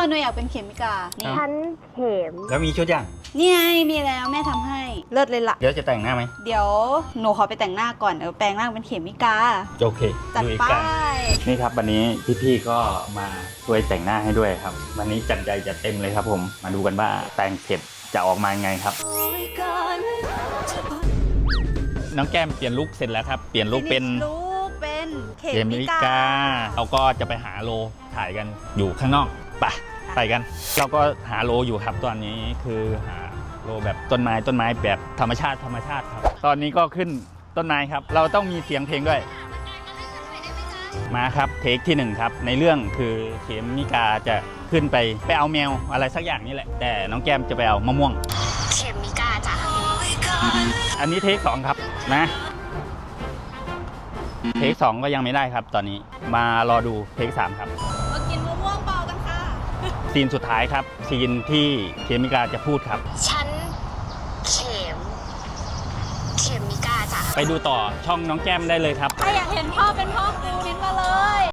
หนูอยากเป็นเขมิกานี่ฉันเข็มแล้วมีชุดยังนี่ไงมีแล้วแม่ทำให้เลิศเลยล่ะเดี๋ยวจะแต่งหน้าไหมเดี๋ยวหนูขอไปแต่งหน้าก่อนเดี๋ยวแปลงร่างเป็นเขมิกาโอเคจัดลุยไปกันนี่ครับวันนี้พี่ๆก็มาช่วยแต่งหน้าให้ด้วยครับ วันนี้จัดใหญ่จัดเต็มเลยครับผมมาดูกันว่าแต่งเสร็จจะออกมายังไงครับ น้องแก้มเปลี่ยนลุคเสร็จแล้วครับเปลี่ยนลุคเป็นลูกเป็นเขเขมิมิกากาเราก็จะไปหาโลถ่ายกันอยู่ข้างนอกไปกัน เราก็หาโลอยู่ครับตอนนี้คือหาโลแบบต้นไม้แบบธรรมชาติครับ ตอนนี้ก็ขึ้นต้นไม้ครับ เราต้องมีเสียงเพลงด้วย มาครับเทคที่1ครับในเรื่องคือเขมิกาจะขึ้นไปเอาแมวอะไรสักอย่างนี่แหละ แต่น้องแก้มจะไปเอามะม่วงเข็มมิกาจ้ะอันนี้เทค2ครับนะเทค2ก็ยังไม่ได้ครับ ตอนนี้มารอดูเทค3ครับมากินมะม่วงเบากันค่ะซีนสุดท้ายครับซีนที่เขมิกาจะพูดครับฉันเข็มมิกาจ้ะไปดูต่อช่องน้องแก้มได้เลยครับถ้าอยากเห็นพ่อเป็นพ่อครูนิดมาเลย